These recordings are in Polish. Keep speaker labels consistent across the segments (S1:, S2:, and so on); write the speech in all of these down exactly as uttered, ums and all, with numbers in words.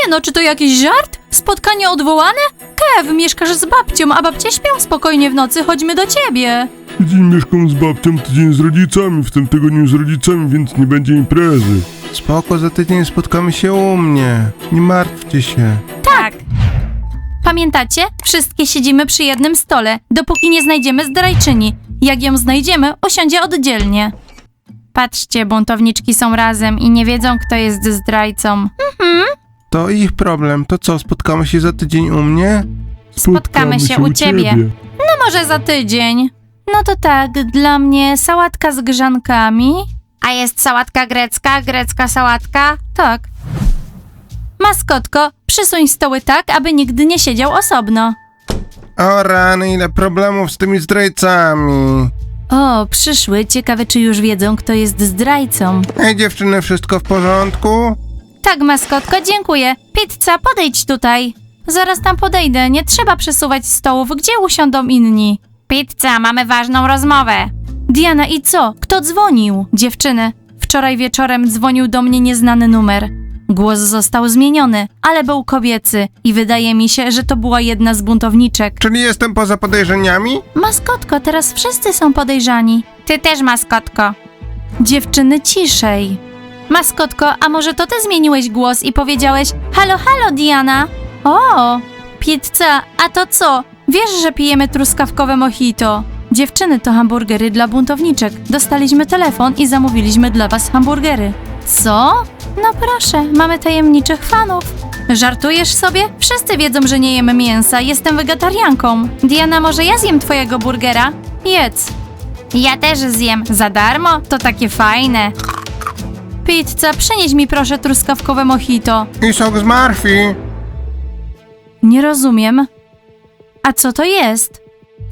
S1: no, czy to jakiś żart? Spotkanie odwołane? Kev, mieszkasz z babcią, a babcie śpią spokojnie w nocy, chodźmy do ciebie.
S2: Tydzień mieszkam z babcią, tydzień z rodzicami, w tym tygodniu z rodzicami, więc nie będzie imprezy.
S3: Spoko, za tydzień spotkamy się u mnie. Nie martwcie się.
S1: Tak. Pamiętacie? Wszystkie siedzimy przy jednym stole, dopóki nie znajdziemy zdrajczyni. Jak ją znajdziemy, usiądzie oddzielnie. Patrzcie, buntowniczki są razem i nie wiedzą, kto jest zdrajcą.
S3: To ich problem. To co, spotkamy się za tydzień u mnie?
S1: Spotkamy się u ciebie. No może za tydzień. No to tak, dla mnie sałatka z grzankami. A jest sałatka grecka, grecka sałatka? Tak. Maskotko, przysuń stoły tak, aby nigdy nie siedział osobno.
S3: O rany, ile problemów z tymi zdrajcami.
S1: O, przyszły. Ciekawe, czy już wiedzą, kto jest zdrajcą.
S3: Ej dziewczyny, wszystko w porządku?
S1: Tak, maskotko, dziękuję. Pizza, podejdź tutaj. Zaraz tam podejdę, nie trzeba przesuwać stołów. Gdzie usiądą inni? Pizza, mamy ważną rozmowę. Diana, i co? Kto dzwonił? Dziewczyny, wczoraj wieczorem dzwonił do mnie nieznany numer. Głos został zmieniony, ale był kobiecy i wydaje mi się, że to była jedna z buntowniczek.
S3: Czyli jestem poza podejrzeniami?
S1: Maskotko, teraz wszyscy są podejrzani. Ty też, maskotko. Dziewczyny, ciszej. Maskotko, a może to ty zmieniłeś głos i powiedziałeś halo, halo, Diana? O, pizza, a to co? Wiesz, że pijemy truskawkowe mojito. Dziewczyny, to hamburgery dla buntowniczek. Dostaliśmy telefon i zamówiliśmy dla was hamburgery. Co? No proszę, mamy tajemniczych fanów. Żartujesz sobie? Wszyscy wiedzą, że nie jemy mięsa, jestem wegetarianką. Diana, może ja zjem twojego burgera? Jedz. Ja też zjem. Za darmo? To takie fajne. Pizza, przynieś mi proszę truskawkowe mojito.
S3: I sok z marfi.
S1: Nie rozumiem. A co to jest?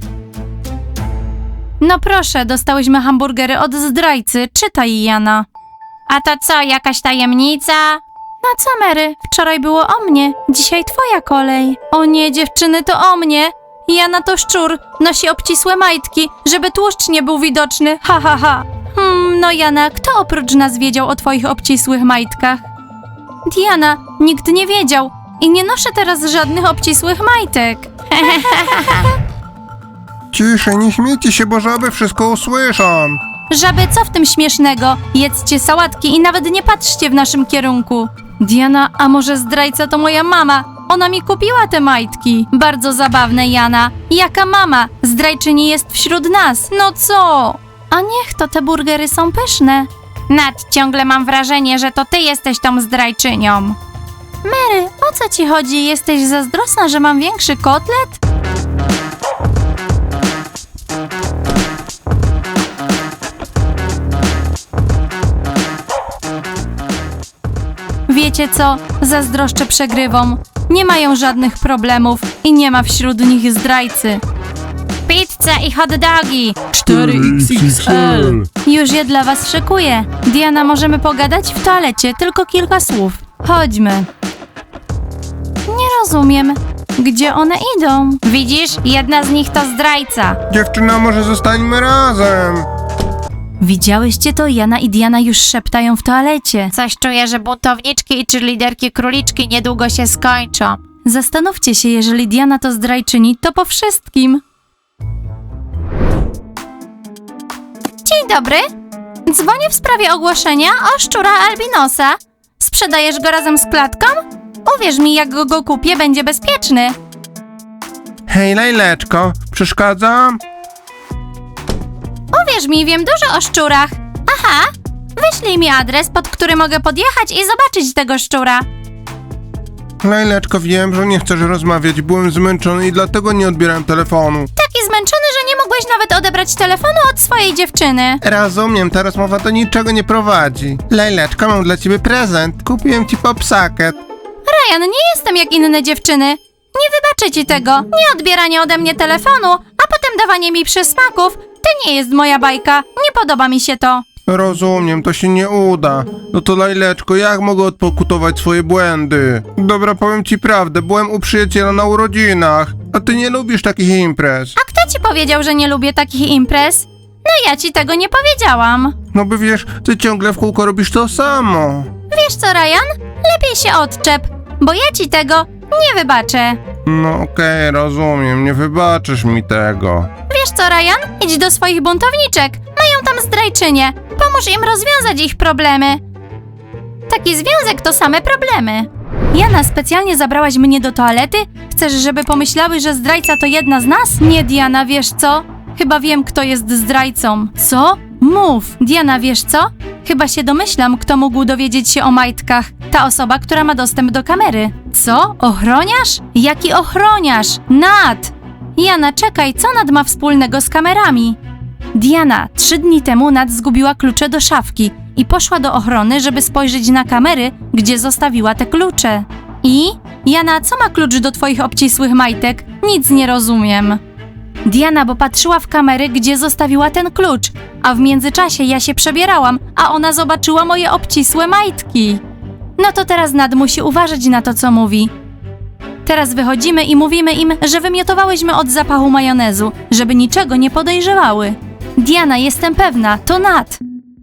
S1: No proszę, dostałyśmy hamburgery od zdrajcy. Czytaj, Jana. A to co, jakaś tajemnica? No co, Mary? Wczoraj było o mnie, dzisiaj twoja kolej. O nie, dziewczyny, to o mnie. Jana to szczur, nosi obcisłe majtki, żeby tłuszcz nie był widoczny. Ha, ha, ha. Hmm, no Jana, kto oprócz nas wiedział o twoich obcisłych majtkach? Diana, nikt nie wiedział i nie noszę teraz żadnych obcisłych majtek.
S3: Ciszej, nie śmiejcie się, bo żaby wszystko usłyszą.
S1: Żaby, co w tym śmiesznego? Jedzcie sałatki i nawet nie patrzcie w naszym kierunku. Diana, a może zdrajca to moja mama? Ona mi kupiła te majtki. Bardzo zabawne, Jana. Jaka mama? Zdrajczyni jest wśród nas. No co? A niech to, te burgery są pyszne. Nat, ciągle mam wrażenie, że to ty jesteś tą zdrajczynią. Mary, o co ci chodzi? Jesteś zazdrosna, że mam większy kotlet? Wiecie co? Zazdroszczę przegrywom. Nie mają żadnych problemów i nie ma wśród nich zdrajcy. Pizza i hot dogi!
S2: cztery X X L.
S1: Już je dla was szykuję. Diana, możemy pogadać w toalecie, tylko kilka słów. Chodźmy. Nie rozumiem. Gdzie one idą? Widzisz? Jedna z nich to zdrajca.
S3: Dziewczyna, może zostańmy razem.
S1: Widziałyście to? Jana i Diana już szeptają w toalecie. Coś czuję, że buntowniczki i cheerleaderki króliczki niedługo się skończą. Zastanówcie się, jeżeli Diana to zdrajczyni, to po wszystkim. Dzień dobry. Dzwonię w sprawie ogłoszenia o szczura albinosa. Sprzedajesz go razem z klatką? Uwierz mi, jak go, go kupię, będzie bezpieczny.
S3: Hej, Lejleczko, przeszkadzam?
S1: Uwierz mi, wiem dużo o szczurach. Aha, wyślij mi adres, pod który mogę podjechać i zobaczyć tego szczura.
S3: Lejleczko, wiem, że nie chcesz rozmawiać, byłem zmęczony i dlatego nie odbierałem telefonu.
S1: Taki zmęczony, że nie mogłeś nawet odebrać telefonu od swojej dziewczyny.
S3: Rozumiem, ta rozmowa do niczego nie prowadzi. Lejleczko, mam dla ciebie prezent. Kupiłem ci popsaket.
S1: Ryan, nie jestem jak inne dziewczyny. Nie wybaczę ci tego. Nie odbieranie ode mnie telefonu, a potem dawanie mi przysmaków. To nie jest moja bajka. Nie podoba mi się to.
S3: Rozumiem, to się nie uda. No to Lejleczko, jak mogę odpokutować swoje błędy? Dobra, powiem ci prawdę, byłem u przyjaciela na urodzinach, a ty nie lubisz takich imprez.
S1: A kto ci powiedział, że nie lubię takich imprez? No ja ci tego nie powiedziałam.
S3: No by wiesz, ty ciągle w kółko robisz to samo.
S1: Wiesz co, Ryan? Lepiej się odczep. bo ja ci tego nie wybaczę.
S3: No okej, rozumiem, nie wybaczysz mi tego.
S1: Wiesz co, Ryan? Idź do swoich buntowniczek. Mają tam zdrajczynię. Pomóż im rozwiązać ich problemy. Taki związek to same problemy. Jana, specjalnie zabrałaś mnie do toalety? Chcesz, żeby pomyślały, że zdrajca to jedna z nas? Nie, Diana, wiesz co? Chyba wiem, kto jest zdrajcą. Co? Mów. Diana, wiesz co? Chyba się domyślam, kto mógł dowiedzieć się o majtkach. Ta osoba, która ma dostęp do kamery. Co? Ochroniarz? Jaki ochroniarz? Nat! Jana, czekaj, co Nat ma wspólnego z kamerami? Diana, trzy dni temu Nat zgubiła klucze do szafki i poszła do ochrony, żeby spojrzeć na kamery, gdzie zostawiła te klucze. I? Jana, co ma klucz do twoich obcisłych majtek? Nic nie rozumiem. Diana, bo patrzyła w kamery, gdzie zostawiła ten klucz, a w międzyczasie ja się przebierałam, a ona zobaczyła moje obcisłe majtki. No to teraz Nat musi uważać na to, co mówi. Teraz wychodzimy i mówimy im, że wymiotowałyśmy od zapachu majonezu, żeby niczego nie podejrzewały. Diana, jestem pewna, to Nat.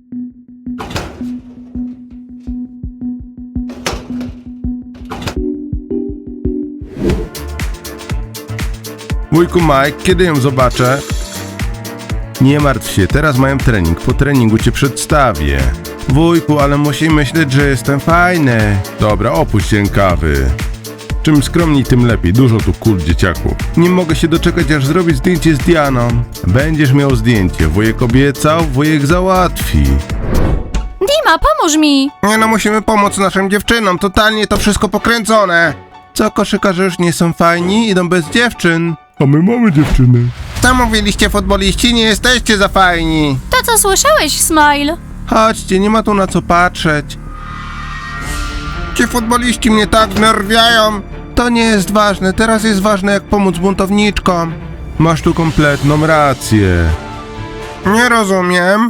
S3: Wujku Mike, kiedy ją zobaczę? Nie martw się, teraz mają trening, po treningu cię przedstawię. Wujku, ale musi myśleć, że jestem fajny. Dobra, opuść rękawy. Czym skromniej, tym lepiej, dużo tu kul, dzieciaku. Nie mogę się doczekać, aż zrobić zdjęcie z Dianą. Będziesz miał zdjęcie, wujek obiecał, wujek załatwi.
S1: Dima, pomóż mi!
S3: Nie no, musimy pomóc naszym dziewczynom, totalnie to wszystko pokręcone. Co, koszykarze już nie są fajni, idą bez dziewczyn.
S2: A my mamy dziewczyny.
S3: Co mówiliście, futboliści, nie jesteście za fajni.
S1: To co słyszałeś, Smile?
S3: Chodźcie, nie ma tu na co patrzeć. Ci futboliści mnie tak wnerwiają. To nie jest ważne, teraz jest ważne, jak pomóc buntowniczkom. Masz tu kompletną rację. Nie rozumiem.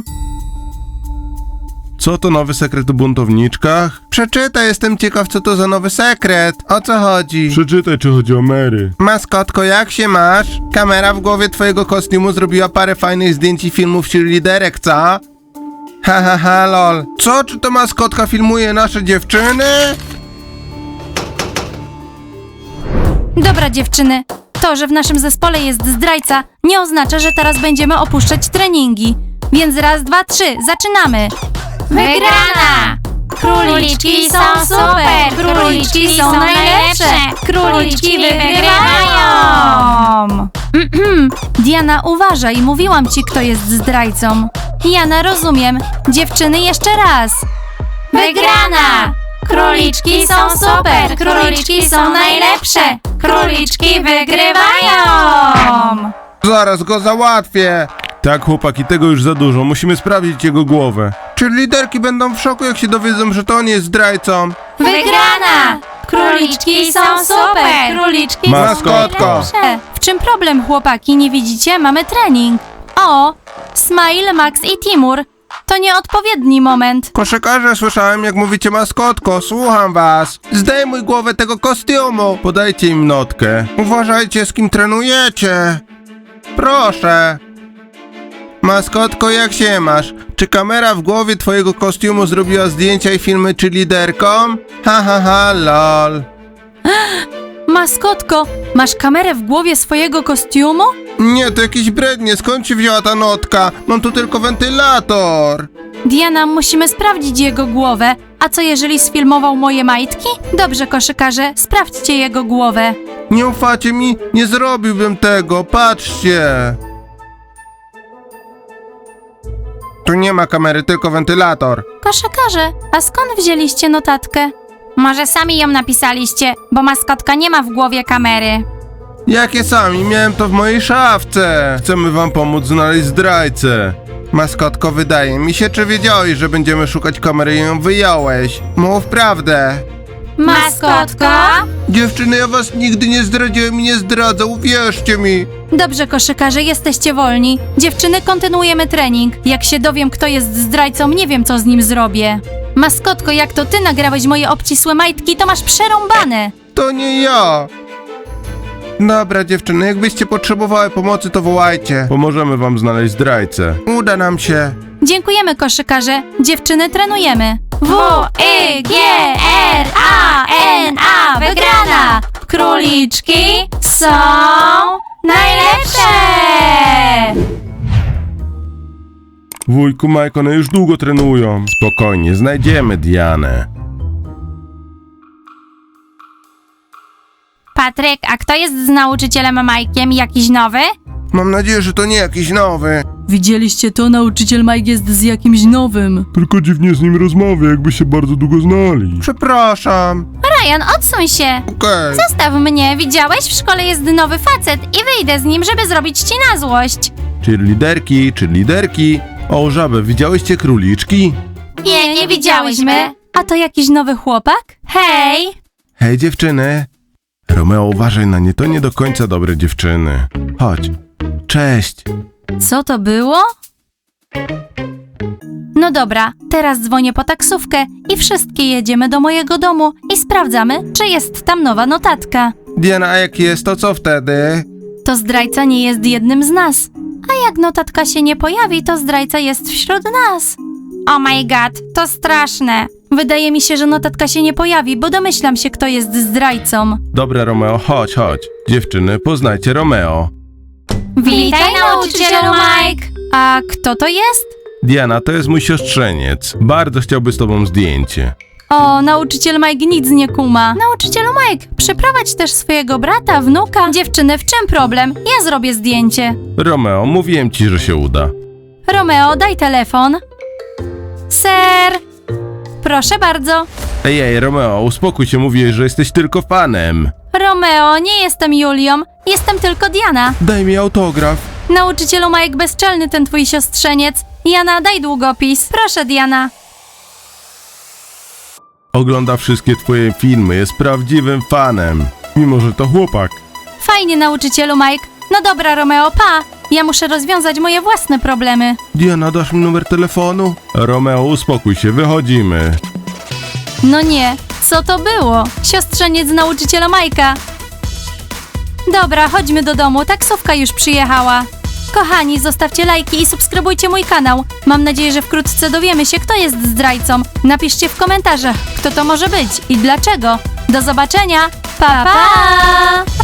S3: Co to nowy sekret o buntowniczkach? Przeczytaj, jestem ciekaw, co to za nowy sekret. O co chodzi?
S2: Przeczytaj, czy chodzi o Mary.
S3: Maskotko, jak się masz? Kamera w głowie twojego kostiumu zrobiła parę fajnych zdjęć i filmów cheerleaderek, co? Ha, ha, ha, lol. Co, czy to maskotka filmuje nasze dziewczyny?
S1: Dobra, dziewczyny. To, że w naszym zespole jest zdrajca, nie oznacza, że teraz będziemy opuszczać treningi. Więc raz, dwa, trzy, zaczynamy! Wygrana! Króliczki są super! Króliczki są najlepsze! Króliczki wygrywają! Diana, uważaj, mówiłam ci, kto jest zdrajcą. Jana, rozumiem. Dziewczyny, jeszcze raz. Wygrana! Króliczki są super! Króliczki są najlepsze! Króliczki wygrywają!
S3: Zaraz go załatwię. Tak, chłopaki, tego już za dużo. Musimy sprawdzić jego głowę. Czy liderki będą w szoku, jak się dowiedzą, że to on jest zdrajcą?
S1: Wygrana! Króliczki są super! Króliczki
S3: Maskotko.
S1: są najlepsze! W czym problem, chłopaki? Nie widzicie? Mamy trening. O! Smile, Max i Timur. To nieodpowiedni moment.
S3: Koszykarze, słyszałem, jak mówicie maskotko. Słucham was. Zdejmuj głowę tego kostiumu. Podajcie im notkę. Uważajcie, z kim trenujecie. Proszę. Maskotko, jak się masz? Czy kamera w głowie twojego kostiumu zrobiła zdjęcia i filmy czy liderkom? Ha, ha, ha, lol.
S1: Maskotko, masz kamerę w głowie swojego kostiumu?
S3: Nie, to jakieś brednie. Skąd się wzięła ta notka? Mam tu tylko wentylator.
S1: Diana, musimy sprawdzić jego głowę. A co jeżeli sfilmował moje majtki? Dobrze, koszykarze, sprawdźcie jego głowę.
S3: Nie ufacie mi? Nie zrobiłbym tego. Patrzcie. Tu nie ma kamery, tylko wentylator.
S1: Koszykarze, a skąd wzięliście notatkę? Może sami ją napisaliście, bo maskotka nie ma w głowie kamery.
S3: Jakie sami? Miałem to w mojej szafce. Chcemy wam pomóc znaleźć zdrajcę. Maskotko, wydaje mi się, czy wiedziałeś, że będziemy szukać kamery i ją wyjąłeś? Mów prawdę.
S1: Maskotko?
S3: Dziewczyny, ja was nigdy nie zdradziłem i nie zdradzę, uwierzcie mi.
S1: Dobrze, koszykarze, jesteście wolni. Dziewczyny, kontynuujemy trening. Jak się dowiem, kto jest zdrajcą, nie wiem, co z nim zrobię. Maskotko, jak to ty nagrałeś moje obcisłe majtki, to masz przerąbane.
S3: To nie ja. Dobra, dziewczyny, jakbyście potrzebowały pomocy, to wołajcie. Pomożemy wam znaleźć zdrajcę. Uda nam się.
S1: Dziękujemy, koszykarze. Dziewczyny, trenujemy. W, I, G, R, A, N, A, Króliczki są najlepsze!
S3: Wujku Mike, one już długo trenują. Spokojnie, znajdziemy Dianę.
S1: Patryk, a kto jest z nauczycielem Majkiem? Jakiś nowy?
S3: Mam nadzieję, że to nie jakiś nowy.
S4: Widzieliście to? Nauczyciel Mike jest z jakimś nowym.
S2: Tylko dziwnie z nim rozmawia, jakby się bardzo długo znali.
S3: Przepraszam.
S1: Ryan, odsuń się!
S3: Okej.
S1: Zostaw mnie, widziałeś? W szkole jest nowy facet i wyjdę z nim, żeby zrobić ci na złość.
S3: Czy liderki, czy liderki? O, żabę, widziałyście króliczki?
S1: Nie, nie widziałyśmy. A to jakiś nowy chłopak? Hej!
S3: Hej dziewczyny. Romeo, uważaj na nie, to nie do końca dobre dziewczyny. Chodź. Cześć.
S1: Co to było? No dobra, teraz dzwonię po taksówkę i wszystkie jedziemy do mojego domu i sprawdzamy, czy jest tam nowa notatka.
S3: Diana, a jak jest, to co wtedy?
S1: To zdrajca nie jest jednym z nas. A jak notatka się nie pojawi, to zdrajca jest wśród nas. Oh my god, to straszne. Wydaje mi się, że notatka się nie pojawi, bo domyślam się, kto jest zdrajcą.
S3: Dobra, Romeo, chodź, chodź. Dziewczyny, poznajcie Romeo.
S1: Witaj, nauczycielu Mike! A kto to jest?
S3: Diana, to jest mój siostrzeniec. Bardzo chciałby z tobą zdjęcie.
S1: O, nauczyciel Mike nic nie kuma. Nauczycielu Mike, przyprowadź też swojego brata, wnuka. Dziewczyny, w czym problem? Ja zrobię zdjęcie.
S3: Romeo, mówiłem ci, że się uda.
S1: Romeo, daj telefon. Ser! Proszę bardzo.
S3: Ej, ej, Romeo, uspokój się, mówiłeś, że jesteś tylko fanem.
S1: Romeo, nie jestem Julią, jestem tylko Diana.
S3: Daj mi autograf.
S1: Nauczycielu Mike, bezczelny ten twój siostrzeniec. Jana, daj długopis. Proszę, Diana.
S3: Ogląda wszystkie twoje filmy, jest prawdziwym fanem.
S2: Mimo, że to chłopak.
S1: Fajnie, nauczycielu Mike. No dobra, Romeo, pa. Ja muszę rozwiązać moje własne problemy.
S3: Diana, dasz mi numer telefonu? Romeo, uspokój się, wychodzimy.
S1: No nie, co to było? Siostrzeniec nauczyciela Majka. Dobra, chodźmy do domu, taksówka już przyjechała. Kochani, zostawcie lajki i subskrybujcie mój kanał. Mam nadzieję, że wkrótce dowiemy się, kto jest zdrajcą. Napiszcie w komentarzach, kto to może być i dlaczego. Do zobaczenia. Pa, pa!